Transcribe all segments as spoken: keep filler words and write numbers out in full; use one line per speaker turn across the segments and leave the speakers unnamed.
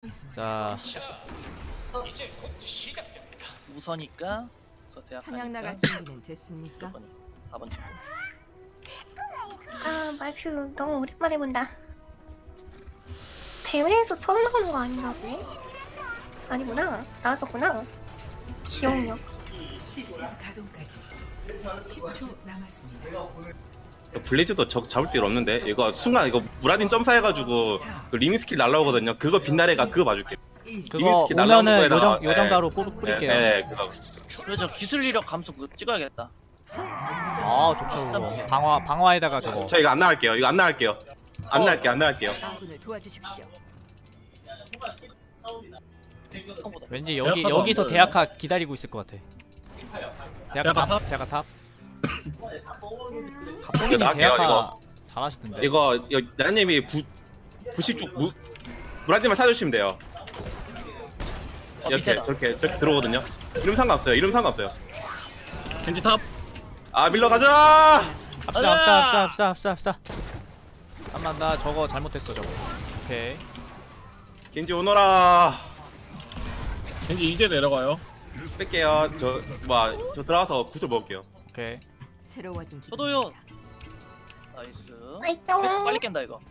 자
우서니까 우서 대학
사냥 나갈
가니까
준비는 됐습니까?
사 번 쪽.
아 말투 너무 오랜만에 본다. 대회에서 처음 나오는 거 아닌가 보네? 아니구나. 나왔었구나. 기억력.
시스템 가동까지 십 초 남았습니다.
블레이즈도 적 잡을 일 없는데 이거 순간 이거 무라딘 점사해가지고 그 리미 스킬 날라오거든요. 그거 빛나래가 그거 봐줄게.
그거
스킬 날라오는
오면은
거에다가,
요정 요정가루 뿌- 뿌릴게요.
네, 네, 그거.
그래서 기술 이력 감소 그거 찍어야겠다.
아 좋죠 그거. 방화 방화에다가 저거.
저 이거 안 나갈게요. 이거 안 나갈게요. 안
어.
나갈게요. 안 나갈게요.
아군을 도와주십시오.
특성보다.
왠지 여기
대학하도
여기서
안 돼요?
대학하 기다리고 있을 것 같아. 대학하
대학하
탑, 대학하 탑. 갑봉이님
나갈게요,
대학하
이거.
잘하시던데.
이거 이거 나님이 부 부시 쪽 무, 무라딘만 사주시면 돼요.
어,
이렇게
밑에다.
저렇게 저렇게 들어오거든요. 이름 상관없어요. 이름 상관없어요.
겐지 탑.
아 밀러 가자.
합시다 합시다 합시다 합시다 합시다. 잠깐만 나 저거 잘못했어 저거. 오케이.
겐지 오너라.
겐지 이제 내려가요.
뺄게요. 저뭐저 들어가서 구슬 먹을게요.
오케이.
새로워진 기분.
저도요. 나이스.
맛있죠?
패스 빨리 깬다 이거.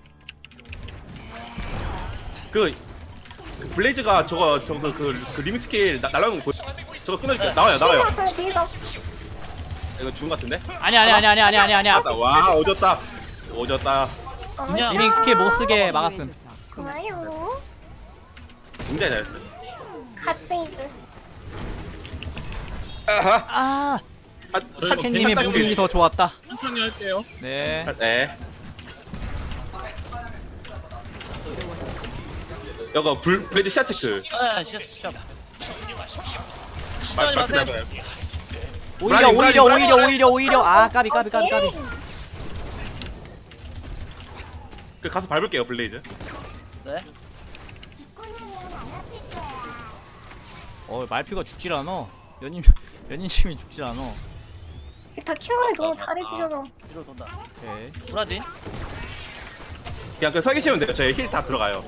그, 그 블레이즈가 저거 저거 그, 그, 그 리미 스킬 나- 날라오는 거 보여? 저거 끊어줄게요. 나와요 나와요.
왔어요 뒤에서.
이거 죽은 것 같은데?
아니 아니 아니 아니 아니 아니 아니야.
맞다. 와 오졌다. 오졌다.
그냥
리밍 스킬 못 쓰게 막았음.
좋아요.
굉장히 잘했어.
갓 세이브.
아하.
아
아,
저희가
캔님의
살짝
무빙이 더 좋았다.
천천히 할게요.
네.
네. 이거 불 블레이즈 시야 체크.
아 시작 시작.
말
마세요.
말투 나가요.
오히려
브라질,
오히려
브라질,
오히려 오히려 오히려 아 까비 까비 까비 까비.
그 가서 밟을게요 블레이즈.
네.
어 말표가 죽질 않아. 연인 연인님이 죽질 않아.
다 케어를 너무 잘해주셔서.
뒤로 돈다.
오케이.
브라딘.
그냥 그 서 계시면 돼요. 저희 힐 다 들어가요.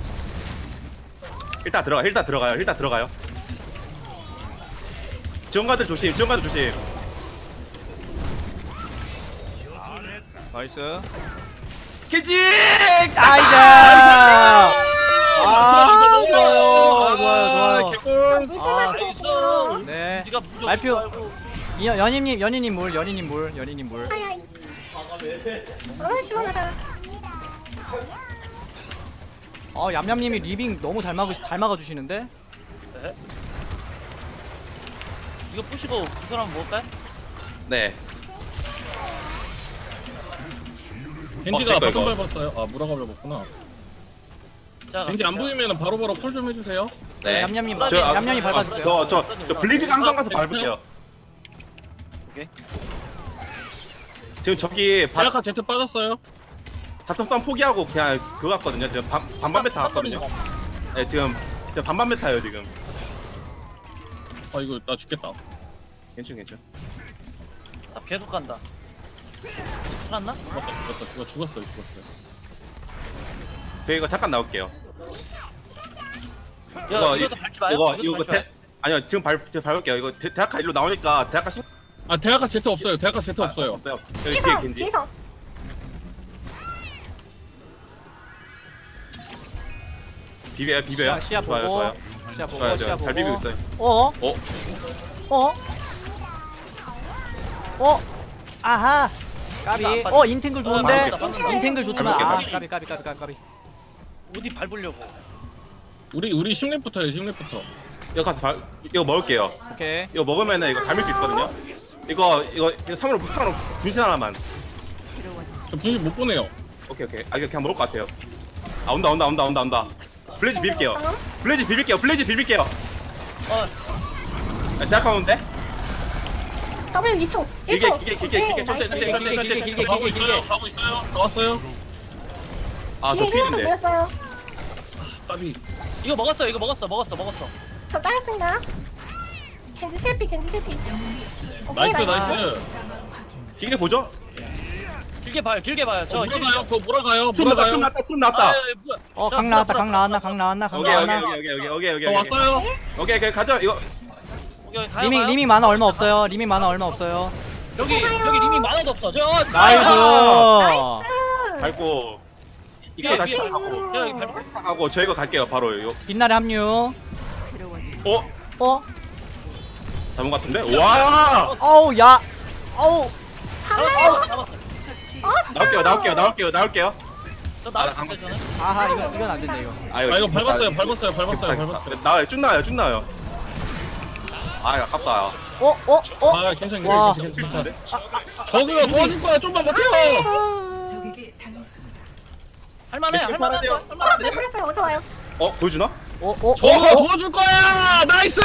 힐 다 들어가. 힐 다 들어가요. 힐 다 들어가요. 지원가들 조심. 지원가들 조심.
나이스.
겐지!
아이자. 아
좋아요.
좋아요 좋아요.
개꿀.
무심하세요.
네.
네가 무조건
말표.
말고.
이 연인님 연인님 물 연인님 물 연인님 물.
아야이. 어 시원하다.
어 얌얌님이 리빙 너무 잘 막으 잘 막아주시는데.
네. 이거 부시고 그 사람 먹을까요?
네.
겐지가
어,
바텀
이거.
밟았어요. 아 무라가 밟았구나.
자,
겐지 안 보이면은 바로바로 콜 좀 해주세요.
네.
얌얌님
저, 아,
얌얌이
아,
밟아주세요.
저, 저, 저 블리즈가 항상 가서 밟을게요.
오케이.
지금 저기 바,
대학가 제트 빠졌어요.
바텀 싸움 포기하고 그냥 그거 갔거든요. 지금 반, 반반 메타 갔거든요. 네, 지금, 지금 반반 메타예요, 지금.
아 이거 나 죽겠다.
괜찮, 괜찮.
나 계속 간다. 살았나?
죽었다 죽었다 죽었 죽었어요 죽었어요.
저 이거 잠깐 나올게요.
야,
이거,
이것도 밟지 마요.
이거,
이것도
이거,
밟지 마요.
대, 아니요, 지금 밟, 지금 밟을게요. 이거 대, 대학가 일로 나오니까 대학가 신,
아 대학가 제트 없어요. 대학가 제트 없어요.
없어요. 여기 뒤에
뒤에서
겐지.
뒤에서.
비벼요, 비벼요.
시야, 시야
좋아요,
보고.
좋아요.
시야 보고
좋아요,
시야
좋아요.
보고.
잘 비비고 있어요.
어?
어?
어? 어? 아하. 까비.
안 빠져.
어 인탱글 좋은데.
밟을게, 밟을게.
인탱글 좋지만 아
밟을게,
까비 까비 까비 까비 까비.
어디 밟으려고?
우리 우리 심리부터요 심리부터.
이거 가서 발, 이거 먹을게요.
오케이.
이거 먹으면은 이거 담을 수 있거든요. 이거, 이거, 이거 삼으로, 삼으로 분신 하나만.
저 분신 못 보내요.
오케이, 오케이. 아, 이거 그냥 먹을 것 같아요. 아, 온다, 온다, 온다, 온다, 온다. 블레이즈 비빌게요. 블레이즈 비빌게요. 블레이즈 비빌게요.
어,
아, 대학 가운데?
W 이 초. 일
길게,
초.
길게, 길게,
오케이,
길게, 천천히,
나이스.
천천히, 천천히, 천천히,
길게,
천천히.
가고 있어요. 가고 있어요. 나왔어요.
아, 저
뒤에 힐러도
필인데.
물렸어요.
까비.
이거 먹었어. 이거 먹었어. 먹었어. 먹었어.
저 따랐습니다. 겐지 실패, 겐지 실패. 오케이,
나이스 나이스.
길게 보죠?
길게 봐요 길게 봐요 저
어, 몰아가요. 그거 몰아가요.
숨 났다 숨
몰아가요.
났다 숨 났다.
어, 강 나왔다, 강 나왔나, 강 나왔나, 강
오케이 오케이
나왔나.
오케이 오케이 오케이 오케이
저
오케이
왔어요.
오케이 오케이 가자 이거.
여기 가요
리밍,
가요.
리밍 만화 얼마 없어요. 리밍 만화 얼마 없어요.
여기 여기 리밍 많아도 없어 저
나이스.
밟고 이거
위에,
다시
위에.
타고
여기 밟고
타고 저희가 갈게요 바로 이거.
빛날의 합류.
새로워진
어
어?
잘못 같은데? 와
어우, 야. 어우.
잡았어 잡았어
처치.
나올게요 나올게요 나올게요 나올게요.
저 나올
아,
수 있어요 저는
아하, 이건, 이건 안 된다, 이거.
아
아 이거 밟았어요. 밟았어요. 밟았어요. 밟았어요.
나와요 쭉 나와요 쭉 나와요. 아 아깝다.
어, 어, 어?
아 괜찮아.
와.
괜찮아. 괜찮아. 저그가 도와줄 거야. 좀만 버텨.
적에게 당했습니다.
할만해
이렇게
할만한
팔아야
거
돼요.
할만한
풀었어요 풀었어요 어서 와요.
어 보여주나?
어, 어,
저그가
어?
도와줄 거야. 나이스.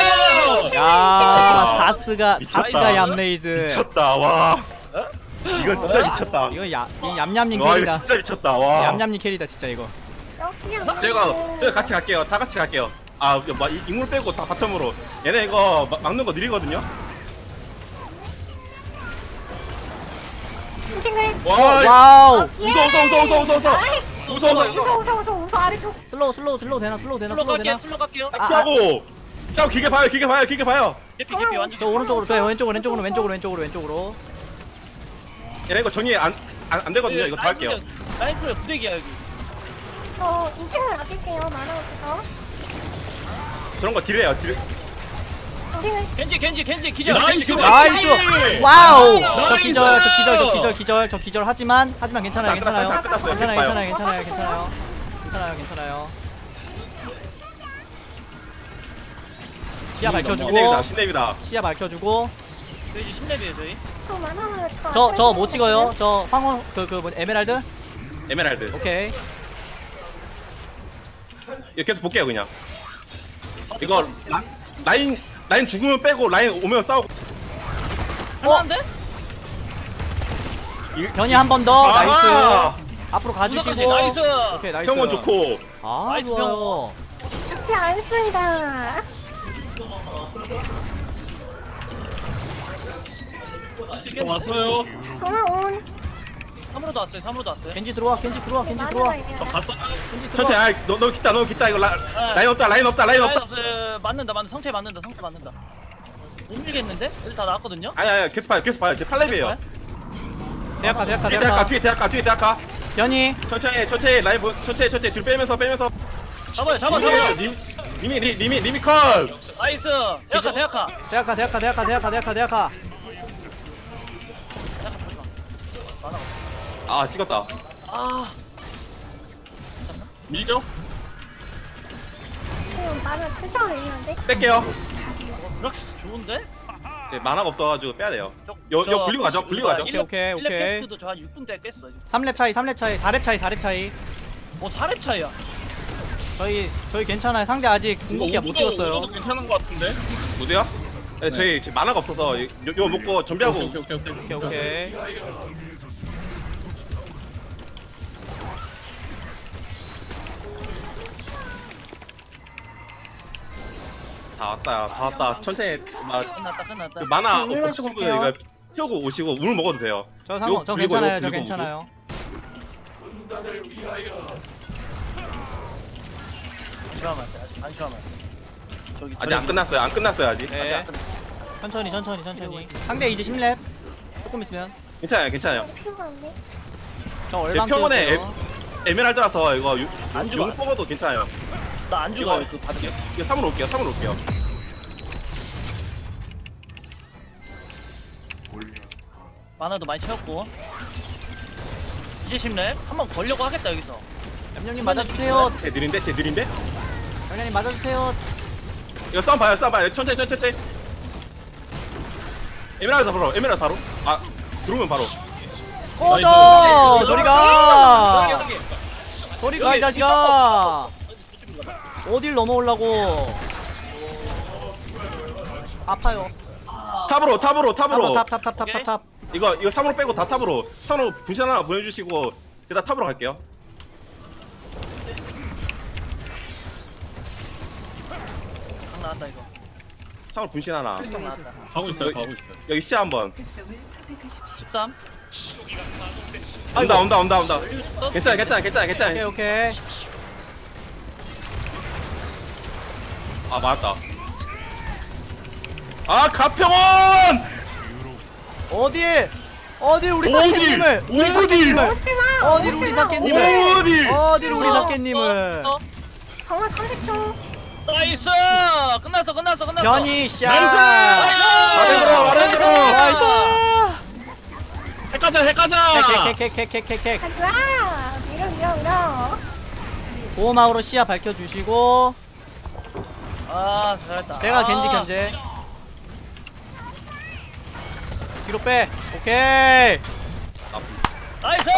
야, 사스가,
미쳤다.
사스가 얌레이즈.
미쳤다 와. 이건 진짜 미쳤다.
이거 야, 이 얌얌님
와 이거
캐리다.
진짜 미쳤다 와.
얌얌님 캐리다, 진짜 이거.
역시
제가 저희 같이 갈게요. 다 같이 갈게요. 아, 막 이- 인물 빼고 다 바텀으로. 얘네 이거 막- 막는 거 느리거든요.
생글.
와,
와우.
웃어 웃어 웃어 웃어 웃어 웃어.
나이스.
웃어 웃어 웃어.
웃어 웃어 웃어 웃어 아래쪽.
슬로우, 슬로우, 슬로우 되나? 슬로우 되나?
슬로
슬로우
갈게요
되나?
슬로 갈게요
아,
피하고. 피하고 길게 봐요. 길게 봐요. 길게 봐요.
개피 개피 완전
저 오른쪽으로, 저 왼쪽으로, 왼쪽으로, 왼쪽으로, 왼쪽으로, 왼쪽으로.
얘네 이거 정리 안 안 안 되거든요. 이거 더 할게요.
라인 클리어 부대기야 여기
저 인생을 아낄게요. 만화 없어서.
저런 거 딜해요. 딜.
인생을
겐지 겐지 겐지 기절
나이스.
겐지, 겐지.
나이스. 와우. 저
나이스!
기절, 저 기절, 저 기절, 기절, 저 기절. 하지만, 하지만 괜찮아요,
다 끝났어요. 다
괜찮아요.
끝났어요.
괜찮아요,
계속 봐요.
괜찮아요, 괜찮아요, 괜찮아요. 괜찮아요, 괜찮아요. 시야 밝혀주고,
신내비다. 신내비다.
시야 밝혀주고.
저희 이제 십 렙이에요 저희
저 만화가
저, 저 못 찍어요. 저 황혼, 그, 그, 뭐, 에메랄드?
에메랄드.
오케이.
이거 계속 볼게요 그냥. 이거 라, 라인 라인 죽으면 빼고 라인 오면 싸우고.
할만한데?
변이 한 번 더.
아하!
나이스. 앞으로
무섭지
가주시고.
나이스
오케이, 나이스.
형은 좋고.
아,
나이스,
좋아요.
죽지 않습니다.
저 왔어요.
전화 온.
삼으로도 왔어요 삼으로도 왔어요
겐지 들어와, 겐지 들어와, 겐지
만화가
들어와.
이래요.
저 갔어요.
겐지 들어와.
천천히. 아, 너, 너 기타 너 기타 이거 라, 라인 없다 라인 없다 라인
라인
없다.
없어요 맞는다 맞는다 성태 맞는다 성태 맞는다 못 밀겠는데? 애들 다 나왔거든요?
아니 아니 계속 봐요 계속 봐요. 이제 팔렙이에요.
대학가, 대학가,
뒤에 대학가
대학가.
뒤에 대학가 뒤에 대학가.
변이.
천천히 천천히 라인 보- 천천히 천천히 뒤로 빼면서 빼면서.
잡아요 잡아 잡아
리미 리미 리- 리미 리미 컷.
나이스 대학가 대학가
대학가, 대학가, 대학가, 대학가, 대학가, 대학가.
아 찍었다.
아
밀죠.
지금 만화 진짜 의미한데.
뺄게요.
브락시스 좋은데?
이제 만화가 없어가지고 빼야 돼요.
저-
요-
저
요 굴리고 가죠, 굴리고 가죠.
오케이, 오케이,
일 렙
오케이.
캐스트도 저 한 육 분 때 깼어
삼 렙 차이, 삼 렙 차이, 사 렙 차이, 사 렙 차이.
뭐 사 렙 차이야
저희 저희 괜찮아요. 상대 아직 궁극기가 못 찍었어요.
오버도 괜찮은 것 같은데.
무대요? 네, 저희 지금 만화가 없어서 요, 요 먹고 준비하고.
오케이 오케이 오케이.
오케이, 오케이.
다 왔다 다 왔다. 천천히 막
끝났다 끝났다
그 만화
물
없으신
마시고
분들
올게요.
이거 피우고 오시고 물 먹어도 돼요.
저 상관,
요
저
굴리고,
괜찮아요.
요
저
굴리고
괜찮아요.
안심하면 안돼 아직 안심하면 저기
아직 안 끝났어요. 안 끝났어요 아직.
네. 천천히, 천천히, 천천히. 상대 이제 십 렙. 조금 있으면.
괜찮아요 괜찮아요.
필요가 없네.
저
제
얼방
평원에
찍을게요.
에메랄드라서 이거 유-
안 죽어.
용 뽑아도 괜찮아요.
나안 죽어
이거-
그 받을게요
이거 삼으로 올게요. 삼으로 올게요.
만화도 많이 채웠고 이제 십 렙 한번 걸려고 하겠다 여기서
얌얌님 맞아주세요.
제 느린데 제 느린데.
얌얌님 맞아주세요.
이거 싸움 봐요 싸움 봐요. 천천히 천천히 천천히. 에메랄드 바로 에메랄드 바로. 아 들어오면 바로.
꺼져! 저리 가!
여기, 여기.
저리 가, 이
여기,
자식아! 어딜 넘어오려고? 아파요.
탑으로 탑으로 탑으로.
탑, 탑, 탑, 탑, 탑, 탑.
이거 이거 삼으로 빼고 다 탑으로. 삼으로 분신 하나 보내주시고 그다음 탑으로 갈게요.
강 나왔다 이거
삼으로 분신 하나.
강 나왔다
가고 있어요. 가고 있어요.
여기 시야 한번.
특성을 선택하십시오.
십삼
온다 온다 온다 온다. 괜찮아 괜찮아 괜찮아
오케이
괜찮아.
오케이.
아 맞았다. 아 가평원!
어디? 어디 우리
어디?
사케님을? 우리
어디?
사케님을?
오지마.
어디 우리 사케님을?
어디?
어디 우리
어,
사케님을?
어, 어.
정말 삼십 초.
나이스! 끝났어 끝났어 끝났어.
변이 샷.
나이스! 말해 들어 말해 들어.
나이스.
핵가자 핵가자.
캑캑캑캑캑캑.
가자. 밀어 밀어 밀어.
보호막으로 시야 밝혀주시고
아 잘했다.
제가
아.
겐지 견제. 뒤로 빼. 오케이.
나이스!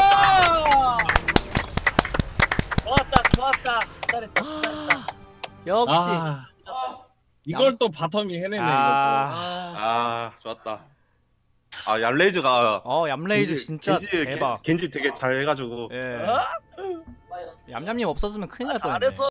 좋았다 좋았다. 잘했다 잘했다.
역시.
아, 이걸 또 바텀이 해내네 이거.
아.
아,
아 좋았다. 아 얌레이즈가
어 얌레이즈
겐지-
진짜
겐지,
대박.
겐지 되게 잘 해가지고.
예.
어?
얌얌님 없었으면 큰일 날 뻔했네.
잘했어.